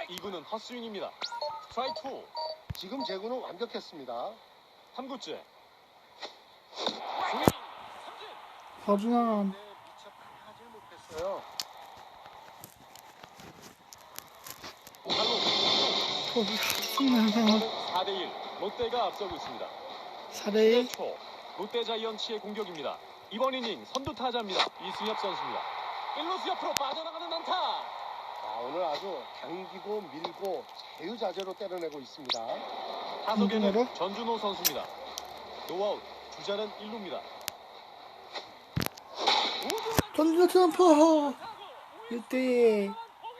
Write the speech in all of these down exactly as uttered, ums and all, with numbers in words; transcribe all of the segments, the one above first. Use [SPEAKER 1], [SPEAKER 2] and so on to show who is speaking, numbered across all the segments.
[SPEAKER 1] 이 구는 헛스윙입니다. 스트라이크 투.
[SPEAKER 2] 지금 제구는 완벽했습니다.
[SPEAKER 1] 삼 구째.
[SPEAKER 3] 서준환.
[SPEAKER 2] 네, 미처 하지 못했어요.
[SPEAKER 1] 사 대 일. 롯데가 앞서고 있습니다.
[SPEAKER 3] 사 대 일.
[SPEAKER 1] 초 롯데 자이언츠의 공격입니다. 이번 이닝 선두 타자입니다. 이승엽 선수입니다. 일 루수 옆으로 빠져나가는 안타.
[SPEAKER 2] 아, 오늘 아주 당기고 밀고 자유자재로 때려내고 있습니다.
[SPEAKER 1] 타석에는
[SPEAKER 3] 전준호로?
[SPEAKER 1] 전준호 선수입니다. 노아웃. 주자는 일 루입니다.
[SPEAKER 3] 전준호 트럼프. 일 대 일.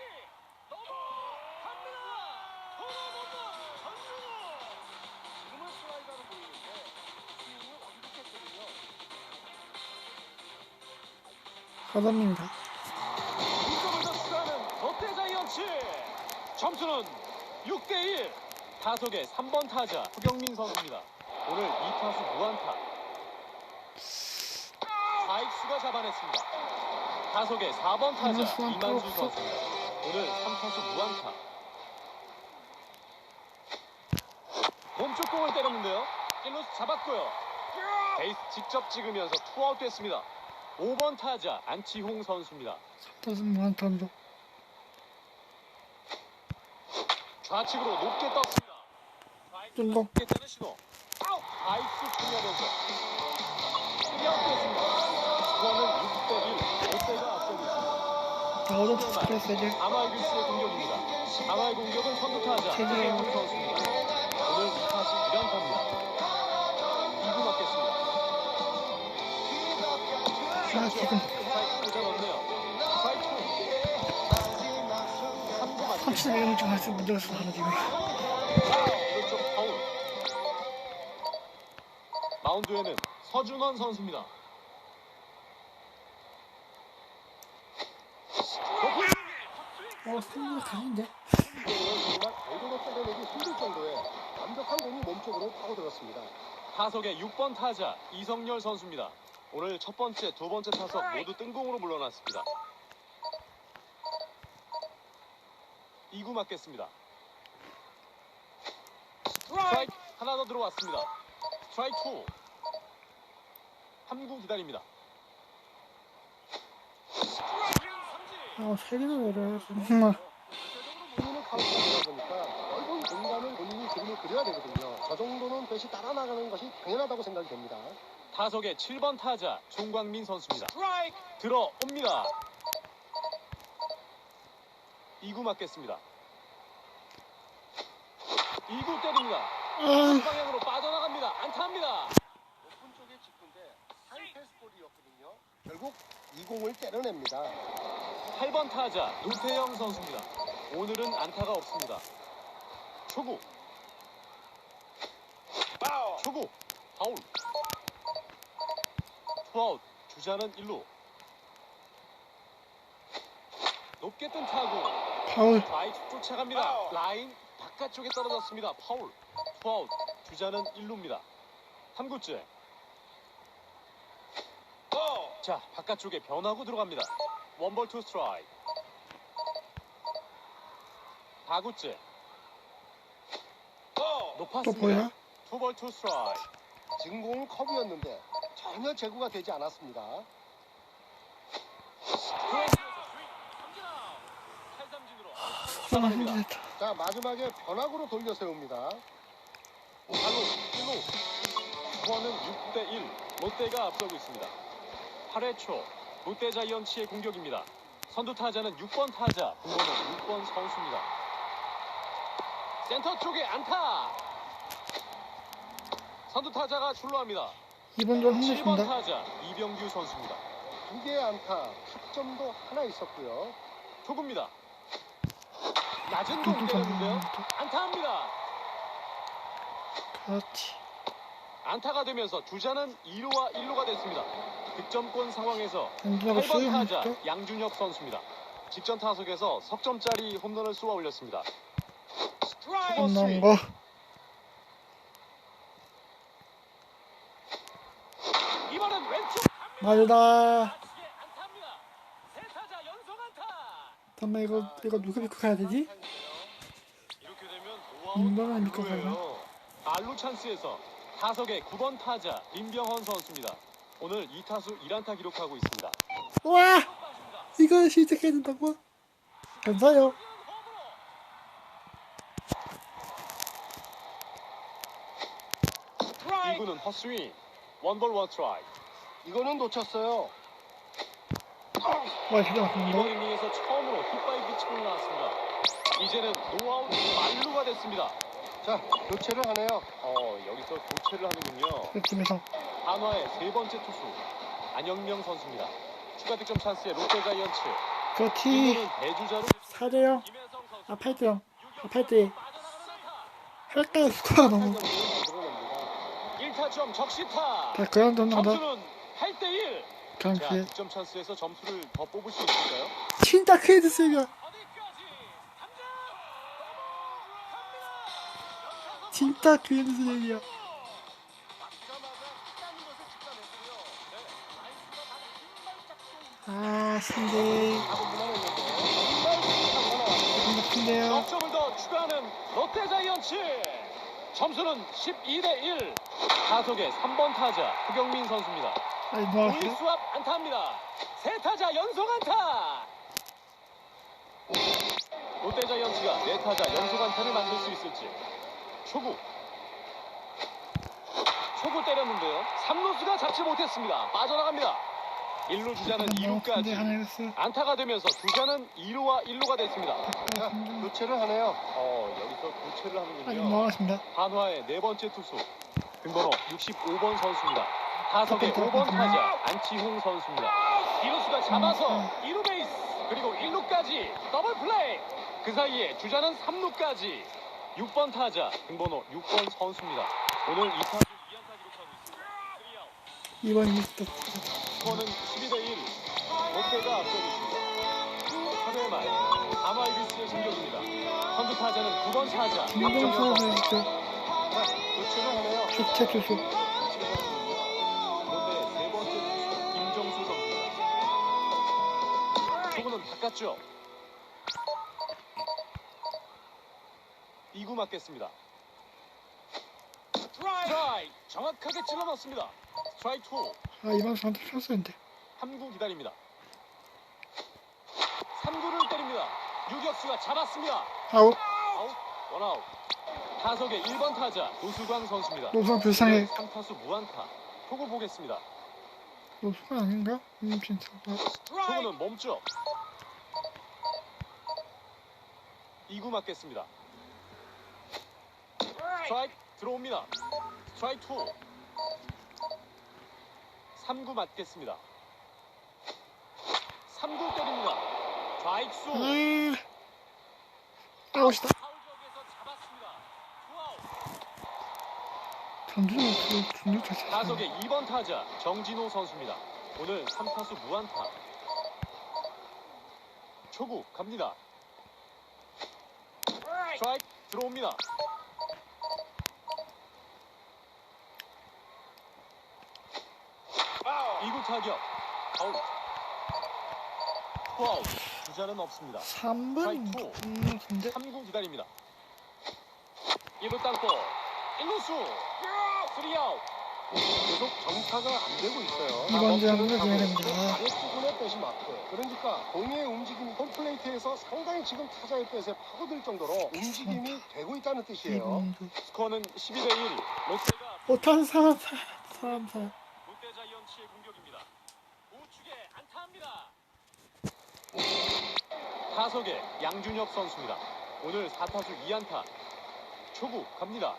[SPEAKER 3] 가담입니다.
[SPEAKER 1] 이점을 더 추가하는 롯데 자이언츠. 점수는 육 대 일. 타석의 삼 번 타자 허경민 선수입니다. 오늘 이 타수 무안타. 좌익수가 잡아냈습니다. 타석의 사 번 타자
[SPEAKER 3] 이만수 한
[SPEAKER 1] 이만수
[SPEAKER 3] 프로
[SPEAKER 1] 선수입니다. 오늘 삼 타수 무안타. 몸쪽 공을 때렸는데요. 일 루수 잡았고요. 베이스 직접 찍으면서 투아웃 됐습니다. 오 번 타자 안치홍 선수입니다.
[SPEAKER 3] 타수 무한탄도.
[SPEAKER 1] 좌측으로 높게 떴습니다.
[SPEAKER 3] 뜬공.
[SPEAKER 1] 높게 뜨는 신호. 아웃! 아이스 풀려면서 쓰리아웃 됐습니다. 스코어는 육 대 일. 롯데가 앞서고 있습니다.
[SPEAKER 3] 나오던 스트레스를.
[SPEAKER 1] 아마이글스의 공격입니다. 아마의 공격은 선두 타자
[SPEAKER 3] 최재형.
[SPEAKER 1] 최재형 선수입니다. 오늘 이 타수 일 안타입니다. 이 구 맞겠습니다.
[SPEAKER 3] 아, 지금
[SPEAKER 1] 스트라이크 꽂아 넣네요. 스트라이크 투. 삼 구 맞습니다.
[SPEAKER 3] 삼십일 점 좀 할 수 못들었어 하나 지금.
[SPEAKER 1] 오른쪽 파울. 마운드에는 서준원 선수입니다.
[SPEAKER 3] 어, 승부가 가는데.
[SPEAKER 2] 정말 제대로 때려내기 힘들 정도의 완벽한 공이 몸쪽으로 파고들었습니다.
[SPEAKER 1] 타석의 육 번 타자 이성열 선수입니다. 오늘 첫 번째, 두 번째 타석 모두 뜬공으로 물러났습니다. 이 구 맞겠습니다. 스트라이크 하나 더 들어왔습니다. 스트라이크 투. 삼 구 기다립니다.
[SPEAKER 3] 아, 세 개나 내려. 정말.
[SPEAKER 2] 본인은 카운트가 되다 보니까 넓은 공간을 본인이 그림을 그려야 되거든요. 저 정도는 배시 따라 나가는 것이 당연하다고 생각이 됩니다.
[SPEAKER 1] 타석의 칠 번 타자 송광민 선수입니다. 들어옵니다. 이 구 맞겠습니다. 이 구 때립니다.
[SPEAKER 3] 아,
[SPEAKER 1] 방향으로 빠져나갑니다. 안타입니다.
[SPEAKER 2] 높은 쪽에 직구인데 하이 패스볼이었거든요. 결국 이 공을 때려냅니다.
[SPEAKER 1] 팔 번 타자 노태영 선수입니다. 오늘은 안타가 없습니다. 초구. 초구. 파울. 투아웃. 주자는 일 루. 높게 뜬 타구.
[SPEAKER 3] 파울.
[SPEAKER 1] 좌익 쫓아갑니다. 라인 바깥쪽에 떨어졌습니다. 파울. 투아웃. 주자는 일 루입니다. 삼 구째. 자, 바깥쪽에 변화구 들어갑니다. 원볼 투 스트라이크. 사 구째.
[SPEAKER 3] 또
[SPEAKER 1] 높았습니다.
[SPEAKER 3] 보여?
[SPEAKER 1] 투볼 투 스트라이크.
[SPEAKER 2] 지금 공은 컵이었는데 전혀 제구가 되지 않았습니다.
[SPEAKER 3] 서준환 힘들다.
[SPEAKER 2] 자, 마지막에 변화구로 돌려 세웁니다.
[SPEAKER 1] 팔 루, 일 루. 스코어는 육 대 일. 롯데가 앞서고 있습니다. 팔 회 초 롯데 자이언츠의 공격입니다. 선두 타자는 육 번 타자 공번호 육 번 선수입니다. 센터 쪽에 안타. 선두 타자가 출루합니다.
[SPEAKER 3] 이번 좀
[SPEAKER 1] 칠 번
[SPEAKER 3] 힘들습니다.
[SPEAKER 1] 타자 이병규 선수입니다.
[SPEAKER 2] 두 개의 안타, 타점도 하나 있었고요.
[SPEAKER 1] 초구입니다. 낮은 공 때렸는데요. 안타합니다.
[SPEAKER 3] 그렇지.
[SPEAKER 1] 안타가 되면서 주자는 이 루와 일 루가 됐습니다. 득점권 상황에서
[SPEAKER 3] 안주하고
[SPEAKER 1] 팔 번
[SPEAKER 3] 수영
[SPEAKER 1] 타자
[SPEAKER 3] 했죠?
[SPEAKER 1] 양준혁 선수입니다. 직전 타석에서 석점짜리 홈런을 쏘아 올렸습니다.
[SPEAKER 3] 끝난 거.
[SPEAKER 1] 이번엔 왼쪽
[SPEAKER 3] 맞다.
[SPEAKER 1] 안타입니다. 세 타자 연속 안타.
[SPEAKER 3] 잠깐만 이거 이거 누가 믿고 가야 되지? 인간을 믿고 살나?
[SPEAKER 1] 누구예요? 알루 찬스에서 타석의 구 번 타자 임병헌 선수입니다. 오늘 이 타수 일 안타 기록하고 있습니다.
[SPEAKER 3] 와! 이걸 시작해야 된다고? 감사해요.
[SPEAKER 1] 이 구는 헛스윙. 원볼 원트라이.
[SPEAKER 2] 이거는 놓쳤어요.
[SPEAKER 3] 와, 기가
[SPEAKER 1] 이번
[SPEAKER 3] 막힌다.
[SPEAKER 1] 이닝에서 처음으로 hit바이 피칭을 나왔습니다. 이제는 노아웃 만루가 됐습니다.
[SPEAKER 2] 자, 교체를 하네요.
[SPEAKER 1] 어, 여기서 교체를 하는군요.
[SPEAKER 3] 그 팀에서.
[SPEAKER 1] 한화의 세 번째 투수 안영명 선수입니다. 추가 득점 찬스의 롯데 자이언츠.
[SPEAKER 3] 그렇지.
[SPEAKER 1] 이구는 대주자로
[SPEAKER 3] 사 대 영.
[SPEAKER 1] 김혜성 선수.
[SPEAKER 3] 아, 팔 대 영. 아, 팔 대 이. 할까 스코어가 너무.
[SPEAKER 1] 일 타점 적시타.
[SPEAKER 3] 다 그런 돈 나다.
[SPEAKER 1] 점수는 팔 대 일.
[SPEAKER 3] 그냥
[SPEAKER 1] 자,
[SPEAKER 3] 그게.
[SPEAKER 1] 득점 찬스에서 점수를 더 뽑을 수 있을까요?
[SPEAKER 3] 진짜 크레드 세가. 진짜 크레드 세이야. 아, 신데. 신데요.
[SPEAKER 1] 넉점을 더 추가하는 롯데 자이언츠. 점수는 십이 대 일. 타석의 삼 번 타자 흑영민 선수입니다.
[SPEAKER 3] 아니, 뭐,
[SPEAKER 1] 우익수 앞 안타입니다. 세 타자 연속 안타. 롯데 자이언츠가 네 타자 연속 안타를 만들 수 있을지. 초구. 초구 때렸는데요. 삼 루수가 잡지 못했습니다. 빠져나갑니다. 일 루 주자는 이
[SPEAKER 3] 근데
[SPEAKER 1] 루까지
[SPEAKER 3] 하나 했어.
[SPEAKER 1] 안타가 되면서 주자는 이 루와 일 루가 됐습니다.
[SPEAKER 2] 자, 교체를 하네요.
[SPEAKER 1] 어, 여기서 교체를
[SPEAKER 3] 아니,
[SPEAKER 1] 하는군요.
[SPEAKER 3] 뭐 하겠습니다.
[SPEAKER 1] 한화의 네 번째 투수 등번호 육십오 번 선수입니다. 타석의
[SPEAKER 3] 또, 또,
[SPEAKER 1] 오 번
[SPEAKER 3] 또, 또.
[SPEAKER 1] 타자 안치홍 선수입니다. 이루수가 잡아서 이 루 베이스 그리고 일 루까지 더블 플레이. 그 사이에 주자는 삼 루까지. 육 번 타자 등번호 육 번 선수입니다. 오늘 이 타수 이 안타 기록하고 있습니다. 쓰리 아웃.
[SPEAKER 3] 이번 이스트.
[SPEAKER 1] 스코어는 십이 대 일. 롯데가 앞서고 있습니다. 삼 회 말 아마이비스의 공격입니다. 선두 타자는 구 번 타자
[SPEAKER 3] 김정수
[SPEAKER 1] 박정현 선수.
[SPEAKER 3] 선수.
[SPEAKER 2] 자, 교체를 하네요.
[SPEAKER 3] 교체 투수.
[SPEAKER 1] 롯데의 세 번째 투수 김정수 선수입니다. 초구는 바꿨죠. 이 구 맞겠습니다. 스트라이크 정확하게 찔러 넣습니다. 스트라이크 투.
[SPEAKER 3] 아, 이번 선수 쳤었는데.
[SPEAKER 1] 삼 구 기다립니다. 삼 구를 때립니다. 유격수가 잡았습니다.
[SPEAKER 3] 아웃.
[SPEAKER 1] 아웃, 원아웃. 타석의 일 번 타자 노수광 선수입니다.
[SPEAKER 3] 노수가 불쌍해.
[SPEAKER 1] 삼 타수 무안타. 초구 보겠습니다.
[SPEAKER 3] 노수가 아닌가? 음, 진짜.
[SPEAKER 1] 초구는 멈춰. 이 구 맞겠습니다. 스트라이크 들어옵니다. 스트라이크 투. 삼 구 맞겠습니다. 삼 구 때립니다. 좌익수.
[SPEAKER 3] 아, 아웃이다.
[SPEAKER 1] 파울적에서 잡았습니다. 투아웃.
[SPEAKER 3] 전준호 그 준호 자체.
[SPEAKER 1] 타석의 이 번 타자 정진호 선수입니다. 오늘 삼 타수 무안타. 초구 갑니다. 스트라이크 들어옵니다. 이 구 타격 아웃. 투아웃. 주자는 없습니다.
[SPEAKER 3] 삼 번. 음, 근데.
[SPEAKER 1] 삼 구 기다립니다. 일 루 땅볼. 일 루수. 쓰리 아웃.
[SPEAKER 2] 계속 정타가 안 되고 있어요.
[SPEAKER 3] 이번 점을 줘야 됩니다.
[SPEAKER 2] 아랫부분에 빼시 마크. 그러니까 공의 움직임이 홈플레이트에서 상당히 지금 타자의 뱃에 파고들 정도로 움직임이 되고 있다는 뜻이에요.
[SPEAKER 3] 이번
[SPEAKER 1] 스코어는 십이 대 일. 롯데가
[SPEAKER 3] 오탄 사람 사람 사람.
[SPEAKER 1] 롯데 자이언츠의 공격입니다. 우측에 안타합니다. 타석의 양준혁 선수입니다. 오늘 사 타수 이 안타. 초구 갑니다.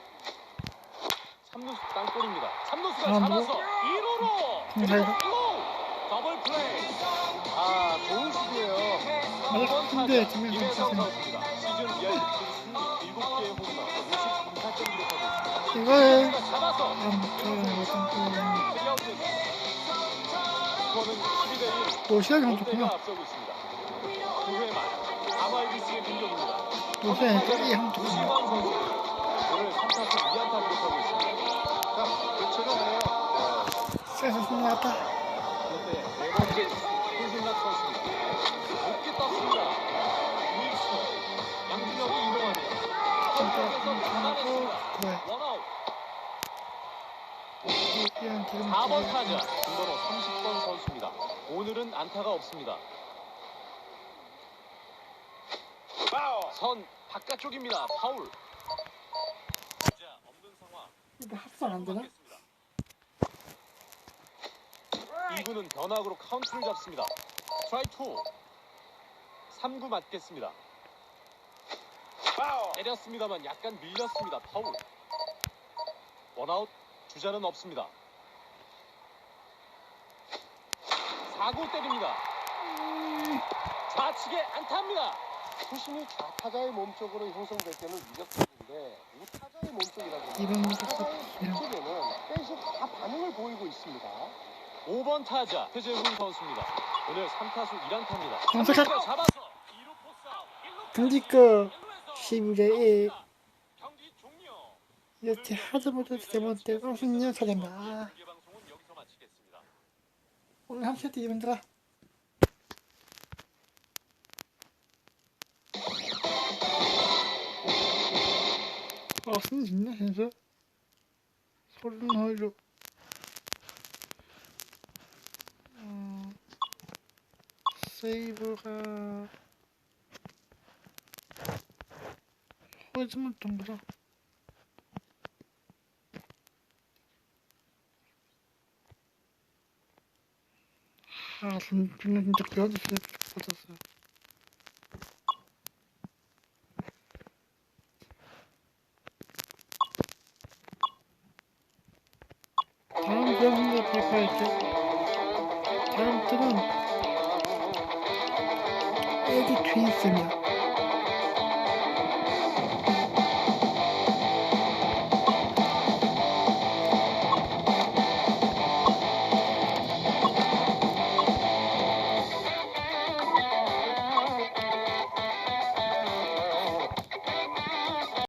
[SPEAKER 1] 삼 루수 땅볼입니다. 삼 루수가
[SPEAKER 3] 아, 뭐?
[SPEAKER 1] 잡아서 이 루로 그리고
[SPEAKER 3] 네.
[SPEAKER 1] 일 루 더블 플레이.
[SPEAKER 2] 아, 좋은 수비예요.
[SPEAKER 3] 아니,
[SPEAKER 1] 이 번
[SPEAKER 3] 근데
[SPEAKER 1] 타자
[SPEAKER 3] 지금
[SPEAKER 1] 김혜성
[SPEAKER 3] 괜찮아요.
[SPEAKER 1] 선수입니다. 시즌 열 일곱 개의 홈런 오십삼 타점 기록하고 있습니다.
[SPEAKER 3] 이거에
[SPEAKER 1] 루수가 잡아서
[SPEAKER 3] 안 들어가는 거
[SPEAKER 1] 쓰리 아웃 됐습니다. 스코어는 십이 대 일.
[SPEAKER 3] 노시아 형
[SPEAKER 1] 롯데가
[SPEAKER 3] 좋구나.
[SPEAKER 1] 앞서고 있습니다. 구 회 말 아마이비스의 공격입니다.
[SPEAKER 3] 노시아 형이 형 좋구나.
[SPEAKER 1] 우시광 선수 오늘 삼 타수 이 안타 기록하고 있습니다.
[SPEAKER 2] 자, 교체를 하네요.
[SPEAKER 3] 세상 승리하다.
[SPEAKER 1] 롯데의 네 번째 손승락 선수입니다. 높게 떴습니다. 우익수 양준혁이 이동하네요. 계속해서 잡아냈습니다.
[SPEAKER 3] 그래.
[SPEAKER 1] 원아웃.
[SPEAKER 3] 그냥 지금
[SPEAKER 1] 사 번 타자 등번호 삼십 번 선수입니다. 오늘은 안타가 없습니다. 선 바깥쪽입니다. 파울. 자, 없는 상황.
[SPEAKER 3] 이거 합성 안 되나?
[SPEAKER 1] 이 구는 변화구로 카운트를 잡습니다. 스트라이크 투. 삼 구 맞겠습니다. 때렸습니다만 약간 밀렸습니다. 파울. 원아웃. 주자는 없습니다. 사 구 때립니다. 좌측에 안타입니다.
[SPEAKER 2] 투심이 좌타자의 몸쪽으로 형성될 때는 위협적인데 우타자의 몸쪽이라고
[SPEAKER 3] 이런 것도
[SPEAKER 2] 우타자의
[SPEAKER 3] 이런.
[SPEAKER 2] 몸쪽에는 뺀시 다 반응을 보이고 있습니다.
[SPEAKER 1] 오 번 타자 최재훈 선수입니다. 오늘 삼 타수 일 안타입니다.
[SPEAKER 3] 감사합니다.
[SPEAKER 1] 잡아서 이 루 포스 아웃, 일 루
[SPEAKER 3] 등지급 십일 대 일.
[SPEAKER 1] 경기 종료.
[SPEAKER 3] 이렇게 하자마자 세 번째 우승년 차례입니다. 아,
[SPEAKER 1] 중계 방송은 여기서 마치겠습니다.
[SPEAKER 3] 오늘 한 세트 이분들아. 아, 승리 있나, 선수? 소리는 하이로. 어, 세이브가 허즈만 동그라. 아, 진짜 진짜 그래도 진짜 받았어요. 다음 배우는데 발표할게. 다음 틀은 에디 트윈스입니다.